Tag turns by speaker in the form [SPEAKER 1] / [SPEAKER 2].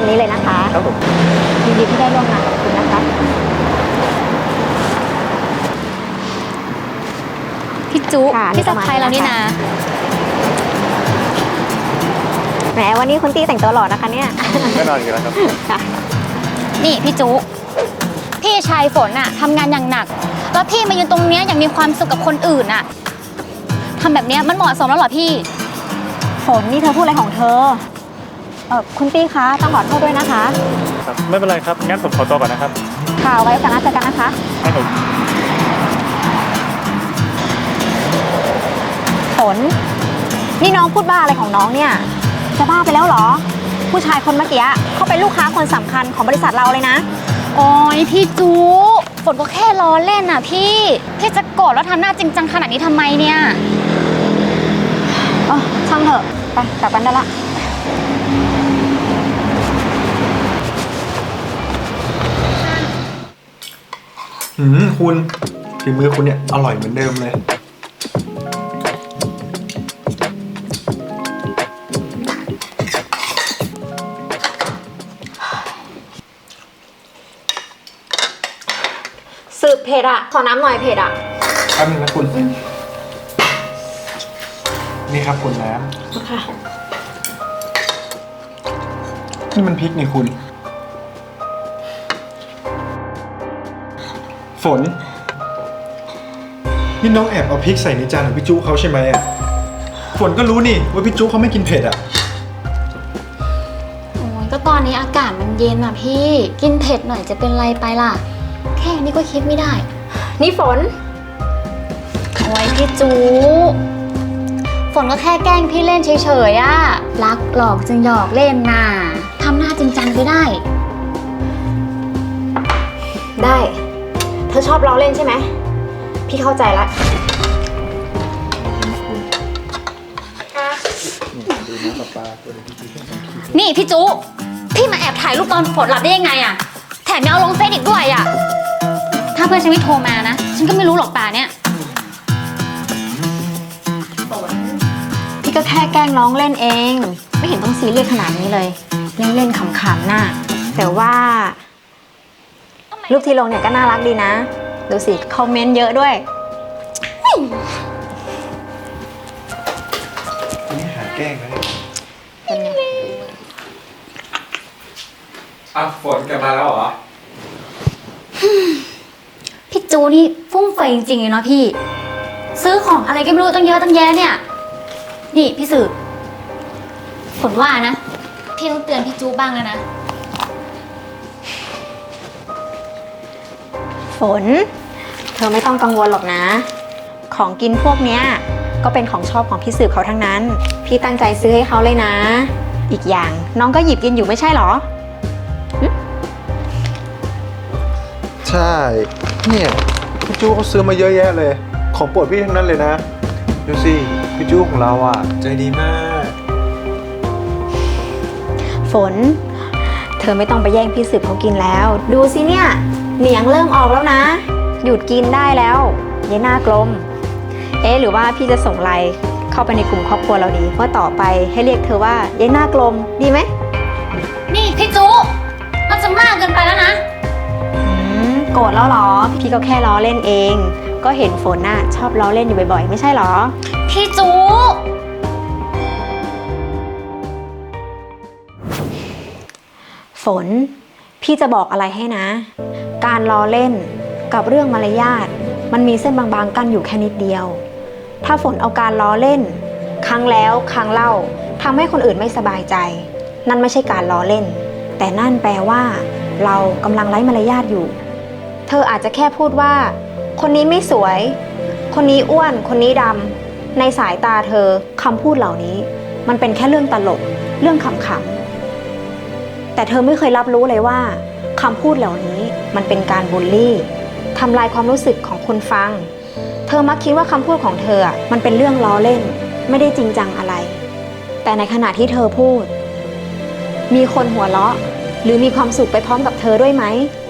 [SPEAKER 1] ามนี้เลยนะคะ
[SPEAKER 2] ครับผม
[SPEAKER 1] ยินดีที่ได้ร่วมงานกับคุณนะคะ
[SPEAKER 3] พี่จุพี่สะพายเรานี่นะ
[SPEAKER 1] แหมวันนี้คุณตี้แต่งตัวหล่อนะคะเนี่ย
[SPEAKER 2] แน่นอนอยู่แล้วครับ
[SPEAKER 3] นี่พี่จุพี่ชายฝนอะทำงานอย่างหนักแล้วพี่มายืนตรงเนี้ยอย่างมีความสุขกับคนอื่นอะทำแบบเนี้ยมันเหมาะสมแล้วเหรอพี่
[SPEAKER 1] ฝนนี่เธอพูดอะไรของเธอคุณตี้คะต้องขอโทษด้วยนะคะ
[SPEAKER 2] ครับไม่เป็นไรครับงั้นผมขอตัวก่อนนะครับ
[SPEAKER 1] ค่ะไว้กันนะเจอกันนะคะ
[SPEAKER 2] ครับผม
[SPEAKER 1] ฝนนี่น้องพูดบ้าอะไรของน้องเนี่ยจะบ้าไปแล้วเหรอผู้ชายคนเมื่อกี้เขาเป็นลูกค้าคนสำคัญของบริษัทเราเลยนะ
[SPEAKER 3] โอ้ยพี่จุฝนก็แค่ล้อเล่นน่ะพี่จะโกรธแล้วทำหน้าจริงจังขนาดนี้ทำไมเนี่ย
[SPEAKER 1] ช่างเถอะไปกลับกันได้ละ
[SPEAKER 4] คุณฝีมือคุณเนี่ยอร่อยเหมือนเดิมเลย
[SPEAKER 1] สืบเผ็ดอะขอน้ำหน่อยเผ็ดอะ
[SPEAKER 4] แป๊บนึงนะคุณนี่ครับคุณน้ำ
[SPEAKER 1] ค่ะ
[SPEAKER 4] นี่มันพริกนี่คุณฝนนี่น้องแอบเอาพริกใส่ในจานของพี่จุเขาใช่ไหมอ่ะฝนก็รู้นี่ว่าพี่จุเขาไม่กินเผ็ดอ่ะ
[SPEAKER 3] โอ้ยก็ตอนนี้อากาศมันเย็นอ่ะพี่กินเผ็ดหน่อยจะเป็นไรไปล่ะแค่นี้ก็คิดไม่ได้
[SPEAKER 1] นี่ฝน
[SPEAKER 3] โอ้ยพี่จูฝนก็แค่แกล้งพี่เล่นเฉยๆอะรักหลอกจึงหยอกเล่นน่ะทำหน้าจริงจังไปได้
[SPEAKER 1] เธอชอบล้อเล่นใช่ไหมพี่เข้าใจละ
[SPEAKER 3] นี่พี่จูพี่มาแอบถ่ายรูปตอนฝนหลับได้ยังไงอะแถมยังเอาลงเฟซอีกด้วยอะถ้าเพื่อนฉันไม่โทรมานะฉันก็ไม่รู้หรอกป่าเนี่ย
[SPEAKER 1] พี่ก็แค่แกล้งน้องเล่นเองไม่เห็นต้องซีเรียสขนาดนี้เลยเล่นๆขำๆน่ะแต่ว่ารูปที่ลงเนี่ยก็น่ารักดีนะดูสิคอมเมนต์เยอะด้วย
[SPEAKER 4] นี่หาแกล้งนะฝนกลับมาแล้วเหรอ
[SPEAKER 3] พี่จูนี่ฟุ่มเฟือยจริงๆเลยเนาะพี่ซื้อของอะไรก็ไม่รู้ตั้งเยอะตั้งแยะเนี่ยนี่พี่สืบฝนว่านะพี่ต้องเตือนพี่จูบ้างแล้วนะ
[SPEAKER 1] ฝนเธอไม่ต้องกังวลหรอกนะของกินพวกเนี้ยก็เป็นของชอบของพี่สืบเขาทั้งนั้นพี่ตั้งใจซื้อให้เขาเลยนะอีกอย่างน้องก็หยิบกินอยู่ไม่ใช่หรอ
[SPEAKER 4] ใช่เนี่ยพี่จูเขาซื้อมาเยอะแยะเลยของโปรดพี่ทั้งนั้นเลยนะดูสิพี่จูของเราอ่ะใจดีมาก
[SPEAKER 1] ฝนเธอไม่ต้องไปแย่งพี่สืบเขากินแล้วดูสิเนี่ยเหนียงเริ่มออกแล้วนะหยุดกินได้แล้วยายหน้ากลมหรือว่าพี่จะส่งไลน์เข้าไปในกลุ่มครอบครัวเราดีว่าต่อไปให้เรียกเธอว่ายายหน้ากลมดีไหม
[SPEAKER 3] นี่พี่จูมันจะมากเกินไปแล้วนะ
[SPEAKER 1] โกรธแล้วหรอพี่ก็แค่ล้อเล่นเองก็เห็นฝนน่ะชอบล้อเล่นอยู่บ่อยๆไม่ใช่หรอ
[SPEAKER 3] พี่จู
[SPEAKER 1] ฝนพี่จะบอกอะไรให้นะการล้อเล่นกับเรื่องมารยาทมันมีเส้นบางๆกั้นอยู่แค่นิดเดียวถ้าฝนเอาการล้อเล่นครั้งแล้วครั้งเล่าทำให้คนอื่นไม่สบายใจนั่นไม่ใช่การล้อเล่นแต่นั่นแปลว่าเรากำลังไร้มารยาทอยู่เธออาจจะแค่พูดว่าคนนี้ไม่สวยคนนี้อ้วนคนนี้ดำในสายตาเธอคำพูดเหล่านี้มันเป็นแค่เรื่องตลกเรื่องขำๆแต่เธอไม่เคยรับรู้เลยว่าคำพูดเหล่านี้มันเป็นการบูลลี่ทำลายความรู้สึกของคนฟังเธอมักคิดว่าคำพูดของเธอมันเป็นเรื่องล้อเล่นไม่ได้จริงจังอะไรแต่ในขณะที่เธอพูดมีคนหัวเราะหรือมีความสุขไปพร้อมกับเธอด้วยไหม